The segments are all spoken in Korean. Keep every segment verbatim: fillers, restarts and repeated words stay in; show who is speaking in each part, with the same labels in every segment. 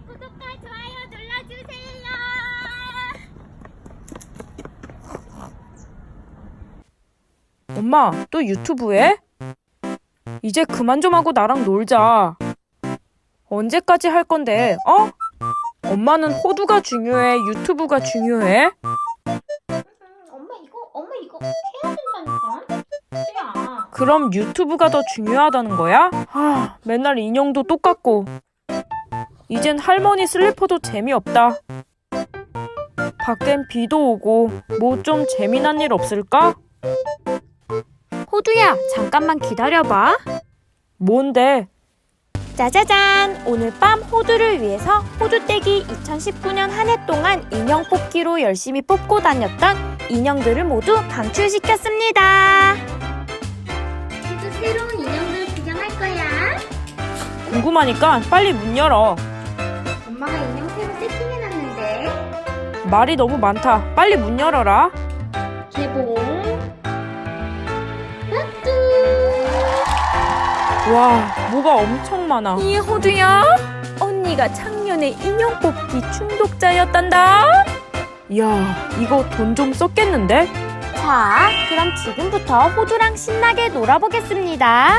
Speaker 1: 구독과 좋아요 눌러주세요.
Speaker 2: 엄마, 또 유튜브해? 이제 그만 좀 하고 나랑 놀자. 언제까지 할 건데, 어? 엄마는 호두가 중요해, 유튜브가 중요해?
Speaker 1: 엄마 이거 엄마 이거 해야 된다니까. 야.
Speaker 2: 그럼 유튜브가 더 중요하다는 거야? 아, 맨날 인형도 똑같고. 이젠 할머니 슬리퍼도 재미없다. 밖엔 비도 오고 뭐 좀 재미난 일 없을까?
Speaker 3: 호두야, 잠깐만 기다려봐.
Speaker 2: 뭔데?
Speaker 3: 짜자잔! 오늘 밤 호두를 위해서 호두떼기 이천십구 년 한 해 동안 인형 뽑기로 열심히 뽑고 다녔던 인형들을 모두 방출시켰습니다.
Speaker 1: 또 새로운 인형들 구경할 거야.
Speaker 2: 궁금하니까 빨리 문 열어.
Speaker 1: 엄마가 인형 새로 세팅해놨는데.
Speaker 2: 말이 너무 많다. 빨리 문 열어라.
Speaker 1: 개봉. 뚜.
Speaker 2: 와, 뭐가 엄청 많아.
Speaker 3: 이 호두야, 언니가 작년에 인형 뽑기 중독자였단다.
Speaker 2: 이야, 이거 돈 좀 썼겠는데?
Speaker 3: 자, 그럼 지금부터 호두랑 신나게 놀아보겠습니다.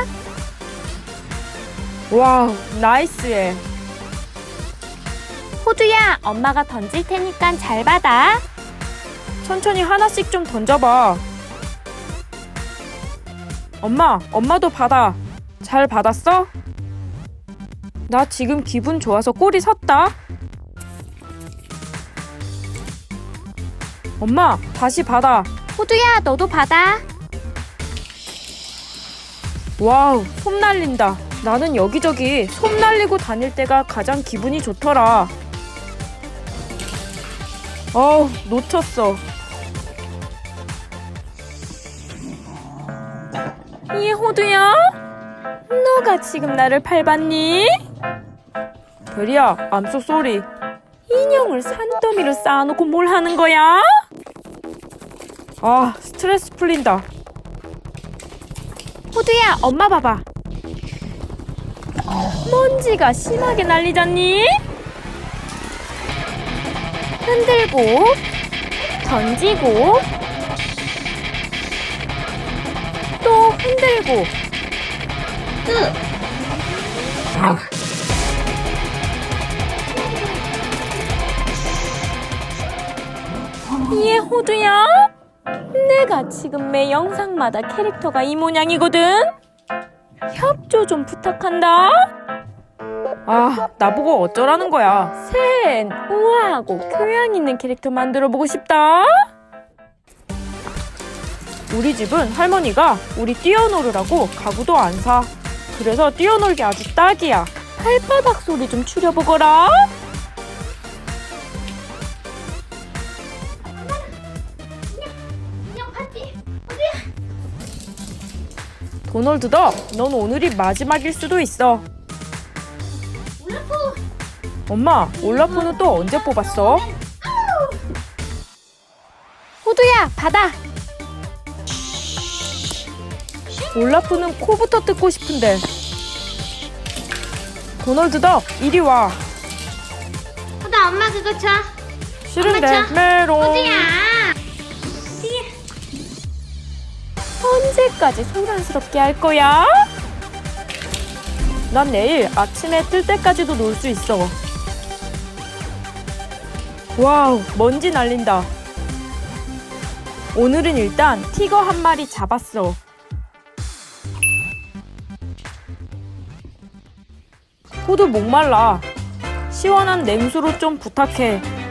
Speaker 2: 와우, 나이스해.
Speaker 3: 호두야, 엄마가 던질 테니까 잘 받아.
Speaker 2: 천천히 하나씩 좀 던져봐. 엄마, 엄마도 받아. 잘 받았어? 나 지금 기분 좋아서 꼬리 섰다. 엄마, 다시 받아.
Speaker 3: 호두야, 너도 받아.
Speaker 2: 와우, 솜 날린다. 나는 여기저기 솜 날리고 다닐 때가 가장 기분이 좋더라. 어우, 놓쳤어.
Speaker 3: 이 호두야, 너가 지금 나를 밟았니?
Speaker 2: 별이야, I'm so sorry.
Speaker 3: 인형을 산더미로 쌓아놓고 뭘 하는 거야?
Speaker 2: 아, 스트레스 풀린다.
Speaker 3: 호두야, 엄마 봐봐. 먼지가 심하게 날리잖니? 흔들고, 던지고, 또 흔들고. 이 호두야? 내가 지금 매 영상마다 캐릭터가 이 모양이거든? 협조 좀 부탁한다.
Speaker 2: 아, 나보고 어쩌라는 거야.
Speaker 3: 셋, 우아하고 교양 있는 캐릭터 만들어보고 싶다.
Speaker 2: 우리 집은 할머니가 우리 뛰어놀으라고 가구도 안 사. 그래서 뛰어놀기 아주 딱이야.
Speaker 3: 발바닥 소리 좀 줄여보거라.
Speaker 1: 인형 파티.
Speaker 2: 도널드 덕, 넌 오늘이 마지막일 수도 있어.
Speaker 1: 올라프.
Speaker 2: 엄마, 올라프는 또 언제 뽑았어?
Speaker 3: 호두야, 받아.
Speaker 2: 올라프는 코부터 뜯고 싶은데. 도널드 덕, 이리 와.
Speaker 1: 호다 엄마 그거 줘.
Speaker 2: 싫은데,
Speaker 1: 엄마 줘.
Speaker 2: 메롱.
Speaker 1: 호두야.
Speaker 3: 언제까지 소란스럽게 할 거야?
Speaker 2: 난 내일 아침에 뜰 때까지도 놀 수 있어. 와우, 먼지 날린다. 오늘은 일단 티거 한 마리 잡았어. 호두 목말라. 시원한 냉수로 좀 부탁해.